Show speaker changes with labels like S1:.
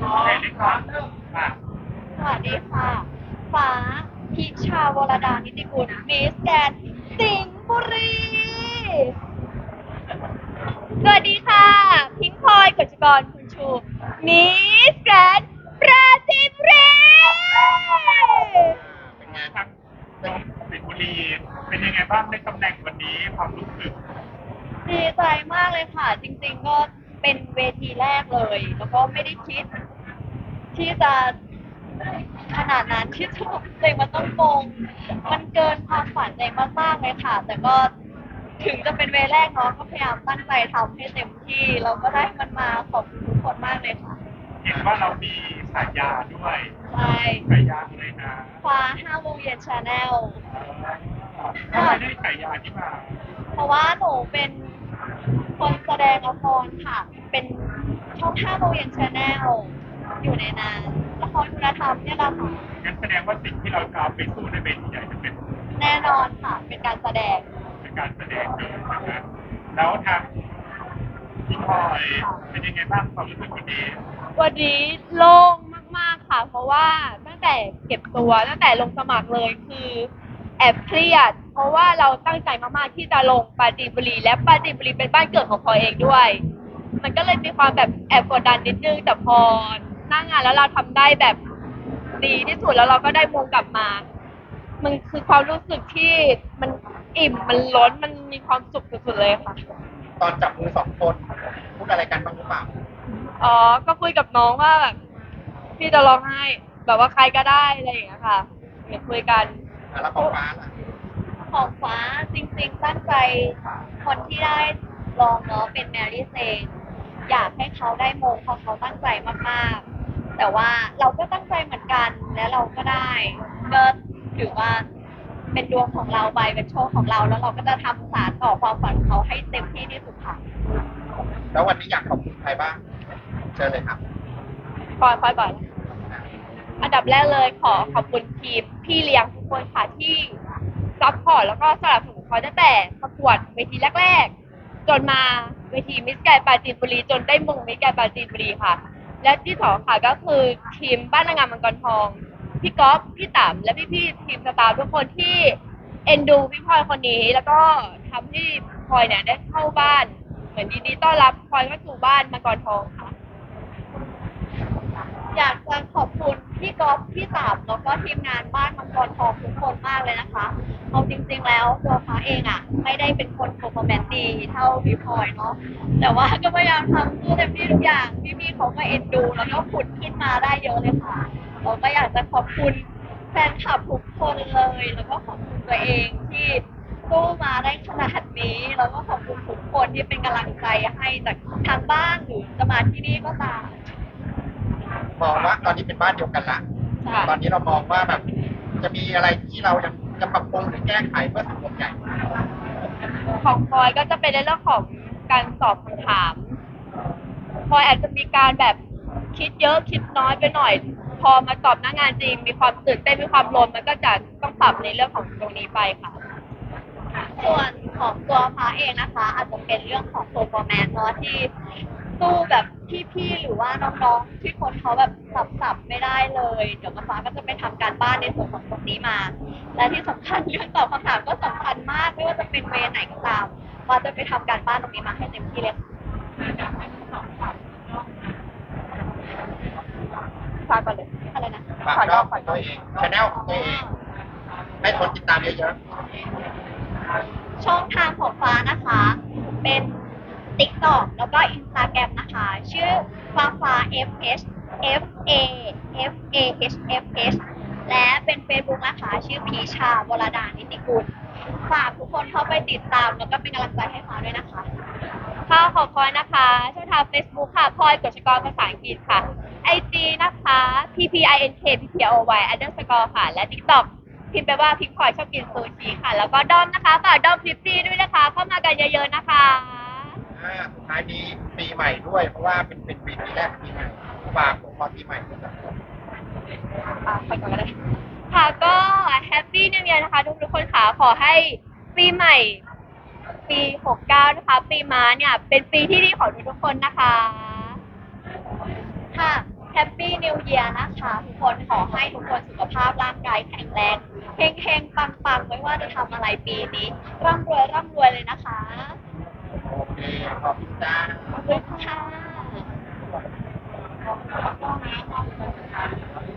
S1: เล่นก่อนอ่ะ
S2: สวัสดีค่ะฟ้าพิชาวรดานิติกุลมิสแกรนด์สิงห์บุรีสวัสดีค่ะพิงค์พลอยกฤษกรคุณชูมิสแกรนด์ปราจีนบุรี
S1: เป็นไงครับเป็นสิงห์บุรีเป็นยังไงบ้างในตำแหน่งวันนี้ความรู้สึก
S2: ดีใจมากเลยค่ะจริงๆก็เป็นเวทีแรกเลยแล้วก็ไม่ได้คิดที่จะขนาดนั้นที่จะบอกตัวเองมันต้องมงมันเกินความฝันตัวเองมากๆเลยค่ะแต่ก็ถึงจะเป็นเวแรกเนาะก็พยายามตั้งใจทำให้เต็มที่เราก็ได้มันมาขอบคุณทุกคนมากเลยค่ะ
S1: เห็นว่าเรามีฉายาด้วย
S2: ใช่
S1: ฉายาอะไรนะ
S2: ฟ้า5 โมงเย็นชาแนล
S1: ทำไมได้ฉายาที่มา
S2: เพราะว่าหนูเป็นคนแสดงละครค่ะเป็นช่อง5 โมงเย็นชาแนลอยู่ในนั้นละครคุณธรรมเนี่ยแหละค่ะ
S1: งั้นแสดงว่าสิ่งที่เราจะเอาไปสู้ในเวทีใหญ่จะเป็น
S2: แน่นอนค่ะเป็นการแสดง
S1: การแสดงเลยนะครับแล้วทางพี่พลอยเป็นยังไงบ้างความรู้สึกวันนี้
S2: วันนี้โล่งมากๆค่ะเพราะว่าตั้งแต่เก็บตัวตั้งแต่ลงสมัครเลยคือแอบเครียดเพราะว่าเราตั้งใจมากๆที่จะลงปราจีนบุรีและปราจีนบุรีเป็นบ้านเกิดของพลอยเองด้วยมันก็เลยมีความแบบแอบกดดันนิดนึงแต่พอหน้างานแล้วเราทำได้แบบดีที่สุดแล้วเราก็ได้มงกลับมามันคือความรู้สึกที่มันอิ่มมันล้นมันมีความสุขสุดๆเลยค่ะ
S1: ตอนจับมือสองคนพูดอะไรกันบ้างหรือเปล่า
S2: อ๋อ ก็คุยกับน้องว่าแบบพี่จะร้องไห้แบบว่าใครก็ได้อะไรอย่างเงี้ยค่ะเดี๋ยวคุยกัน
S1: แล้วของฟ้าล่ะ
S2: ของฟ้าจริงๆตั้งใจคนที่ได้ลองเนาะเป็นแมรี่เซนอยากให้เขาได้มงเพราะเขาตั้งใจมากๆแต่ว่าเราก็ตั้งใจเหมือนกันและเราก็ได้ก็ถือว่าเป็นดวงของเราไปเป็นโชคของเราแล้วเราก็จะทำสานต่อความฝันของเขาให้เต็มที่ที่สุดค่ะ
S1: แล้ววันนี้อยากขอบคุณใครบ้างเชิญเลยครับ
S2: พลอยก่อน อันดับแรกเลยขอขอบคุณทีมพี่เลี้ยงทุกคนค่ะที่ซัพพอร์ตแล้วก็สนับสนุนเขาตั้งแต่ประกวดเวทีแรกๆจนมาเวทีมิสแกรนด์ปราจีนบุรีจนได้มงมิสแกรนด์ปราจีนบุรีค่ะและที่สองค่ะก็คือทีมบ้านนางงามมังกรทองพี่ก๊อฟพี่ต๋ำและพี่ๆทีมสตาฟทุกคนที่เอ็นดูพี่พลอยคนนี้แล้วก็ทำให้พลอยเนี่ยได้เข้าบ้านเหมือนดีๆต้อนรับพลอยเข้าสู่บ้านมังกรทองค่ะ อยากจะขอบคุณพี่ก๊อฟพี่ต๋าแล้วก็ทีมงานบ้านมังกรทองทุกคนมากเลยนะคะเอาจริงๆแล้วตัวฟ้าเองอ่ะไม่ได้เป็นคนโปรแมนดีเท่าพี่พลอยเนาะแต่ว่าก็พยายามทำเต็มที่ทุกอย่างพี่ๆเขาก็เอ็นดูแล้วก็ขุดขึ้นมาได้เยอะเลยค่ะเราก็อยากจะขอบคุณแฟนคลับทุกคนเลยแล้วก็ขอบคุณตัวเองที่สู้มาได้ขนาดนี้แล้วก็ขอบคุณทุกคนที่เป็นกำลังใจให้จากทางบ้านหรือจะมาที่นี่ก็ตาม
S1: มองว่าตอนนี้เป็นบ้านเดียวกันละตอนนี้เรามองว่าแบบจะมีอะไรที่เรายังจะปรับปรุงหรือแก้ไขเพื่อสังคมใหญ่
S2: ของพลอยก็จะเป็นในเรื่องของการตอบคำถามพลอยอาจจะมีการแบบคิดเยอะคิดน้อยไปหน่อยพอมาตอบหน้างานจริงมีความตื่นเต้นมีความลนมันก็จะต้องปรับในเรื่องของตรงนี้ไปค่ะส่วนของตัวฟ้าเองนะคะอาจจะเป็นเรื่องของโปรแมนเนาะที่สู้แบบพี่ๆหรือว่าน้องๆที่คนเขาแบบสับไม่ได้เลยเดี๋ยวฟ้าก็จะไปทำการบ้านในส่วนของตรงนี้มาและที่สำคัญเรื่องตอบคำถามก็สำคัญมากไม่ว่าจะเป็นเวไหนก็ตามฟ้าจะไปทำการบ้านตรงนี้มาให้เต็มที่เลยฟ้าก่อนเลยอะไรนะ
S1: ฝากช่องของตัวเองชแนลของตัวเองให้คนติดตามเยอะ
S2: ช่องทางของฟ้านะคะ เป็น TikTok แล้วก็ Instagram นะคะ ชื่อฟ้า FH FA FAHFH และเป็น Facebook นะคะ ชื่อพีชาวรดานิติกุลฝากทุกคนเข้าไปติดตามแล้วก็เป็นกำลังใจให้ฟ้าด้วยนะคะ ค่ะขอบคุณนะคะช่องทาง Facebook ค่ะพลอยกฤษกรภาษาอังกฤษค่ะ IG นะคะ PPINKPPOY_ ค่ะและ TikTok พิมพ์ไปว่าพิงพลอยชอบกินซูชิค่ะแล้วก็ด้อมนะคะฝากด้อมคลิปฟรีด้วยนะคะเข้ามากันเยอะๆนะคะ
S1: สุดท้ายนี้ปีใหม่ด้วยเพราะว่าเป็นปีแรกปีใหม่ฝากของพรปีใหม่ด้วยครับ
S2: ไปก่อนก็ได้ค่ะก็แฮปปี้นิว e ย r นะคะทุกคนค่ะขอให้ปีใหม่ปี69นะคะ ปีม้าเนี่ยเป็นปีที่ดีของทุกคนนะคะค่ะ
S3: แฮปปี้นิวเยียร์นะคะทุกคนขอให้ทุกคนสุขภาพร่างกายแข็งแรงเฮงเฮงปังปังๆไม่ว่าจะทำอะไรปีนี้ร่ำรวยเลยนะคะ
S1: โอเคขอบคุณจ้า